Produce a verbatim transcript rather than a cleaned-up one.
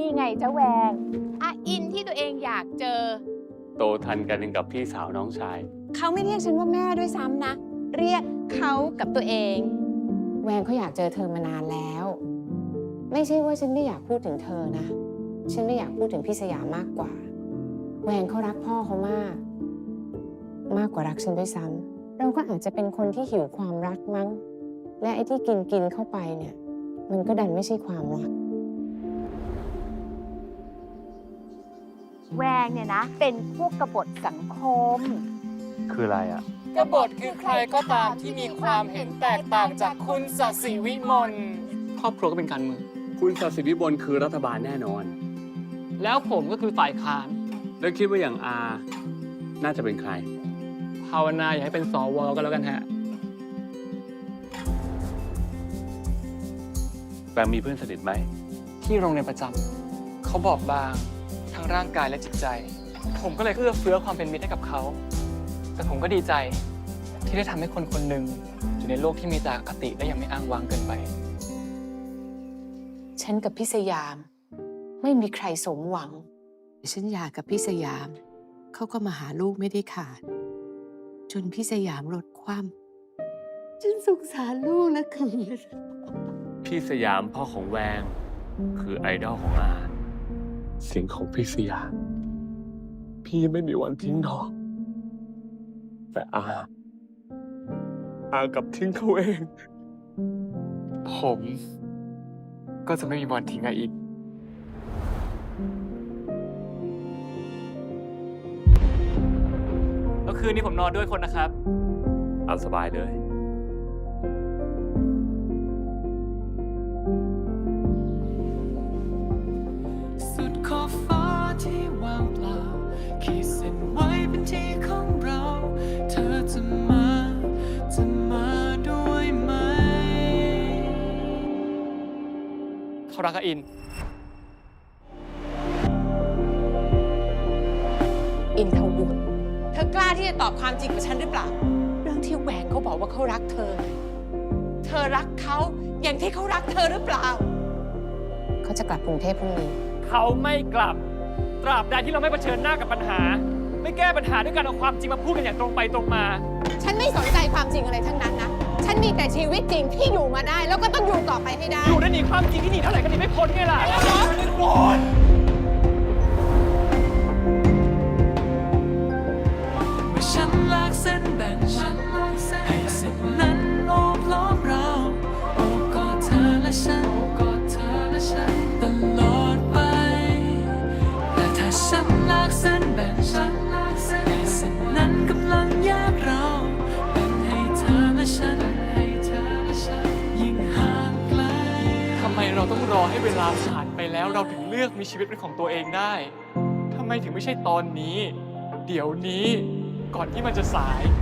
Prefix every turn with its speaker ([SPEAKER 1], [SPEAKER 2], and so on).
[SPEAKER 1] ไงเจ้าแหวงอาอินที่ตัวเองอยากเจอ
[SPEAKER 2] โตทันกันกับพี่สาวน้องชาย
[SPEAKER 1] เขาไม่เรียกฉันว่าแม่ด้วยซ้ำนะเรียกเขากับตัวเอง
[SPEAKER 3] แวงเขาอยากเจอเธอมานานแล้ว ไม่ใช่ว่าฉันไม่อยากพูดถึงเธอนะฉันไม่อยากพูดถึงพี่สยามมากกว่าแวงเขารักพ่อเขามาก มากกว่ารักฉันด้วยซ้ำเราก็อาจจะเป็นคนที่หิวความรักมั้งและไอ้ที่กินกินเข้าไปเนี่ยมันก็ดันไม่ใช่ความรัก
[SPEAKER 1] แหวงเนี่ยนะเป็นพวกกบฏสังคม
[SPEAKER 2] คืออะไรอ่ะ
[SPEAKER 4] กบฏคือใครก็ตามที่มีความเห็นแตกต่างจากคุณศศิวิมลครอบครัวก็เป็นการเมือง
[SPEAKER 2] คุณศศิวิมลคือรัฐบาลแน่นอน
[SPEAKER 4] แล้วผมก็คือฝ่ายค้าน
[SPEAKER 2] แล้วคิดว่าอย่างอาน่าจะเป็นใคร
[SPEAKER 4] ภาวนาอย่าให้เป็นสวก็แล้วกันฮะ
[SPEAKER 2] แบงมีเพื่อนสนิทไหม
[SPEAKER 4] ที่โรงเรียนประจำเขาบอบบางทั้งร่างกายและจิตใจผมก็เลยเอื้อเฟื้อความเป็นมิตรให้กับเขาแต่ผมก็ดีใจที่ได้ทำให้คนคนหนึ่งอยู่ในโลกที่มีแต่อคติและยังไม่อ้างว้างเกินไป
[SPEAKER 3] ฉันกับพี่สยามไม่มีใครสมหวังฉันหย่ากับพี่สยามเขาก็มาหาลูกไม่ได้ขาดจนพี่สยามลดความฉันสงสารลูกแล้วคือ
[SPEAKER 2] พี่สยามพ่อของแวงคือไอดอลของอาเสียงของพี่สยามพี่ไม่มีวันทิ้งน้องแต่อาอากับทิ้งเขาเอง
[SPEAKER 4] ผมก็จะไม่มีวันทิ้งอาอีกแล้วคืนนี้ผมนอนด้วยคนนะครับ
[SPEAKER 2] เอาสบายเลย
[SPEAKER 5] สุดขอบฟ้าที่ว่างเปล่าขีดเส้นไว้เป็นที่ของเราเธอจะมาจะมาด้วยไหม
[SPEAKER 4] เขารักอาอิน
[SPEAKER 3] อินทวุฒิเธอกล้าที่จะตอบความจริงกับฉันหรือเปล่าเรื่องที่แหวงเขาบอกว่าเขารักเธอเธอรักเขาอย่างที่เขารักเธอหรือเปล่าเขาจะกลับกรุงเทพพรุ่งนี้
[SPEAKER 4] เขาไม่กลับตราบใดที่เราไม่เผชิญหน้ากับปัญหาไม่แก้ปัญหาด้วยการเอาความจริงมาพูดกันอย่างตรงไปตรงมา
[SPEAKER 3] ฉันไม่สนใจความจริงอะไรทั้งนั้นนะฉันมีแต่ชีวิตจริงที่อยู่มาได้แล้วก็ต้องอยู่ต่อไปให้ได้
[SPEAKER 4] อยู่ได้หนีความจริงที่หนีเท่าไหร่ก็หนีไม่พ้นไงล่ะไม่พ้น
[SPEAKER 5] เมื่อฉันลากเส้นแบ่งให้เส้นนั้นโอบล้อมเราโอบกอดเธอและฉันกอดเธอและฉันตลอดไปแต่ถ้าฉันลากเส้นแบ่งให้เส้นนั้นกำลังแยกเราแบ่งให้เธอและฉันยิ่งห่างไกล
[SPEAKER 4] ทำไมเราต้องรอให้เวลาผ่านไปแล้วเราถึงเลือกมีชีวิตเป็นของตัวเองได้ทำไมถึงไม่ใช่ตอนนี้เดี๋ยวนี้ก่อนที่มันจะสาย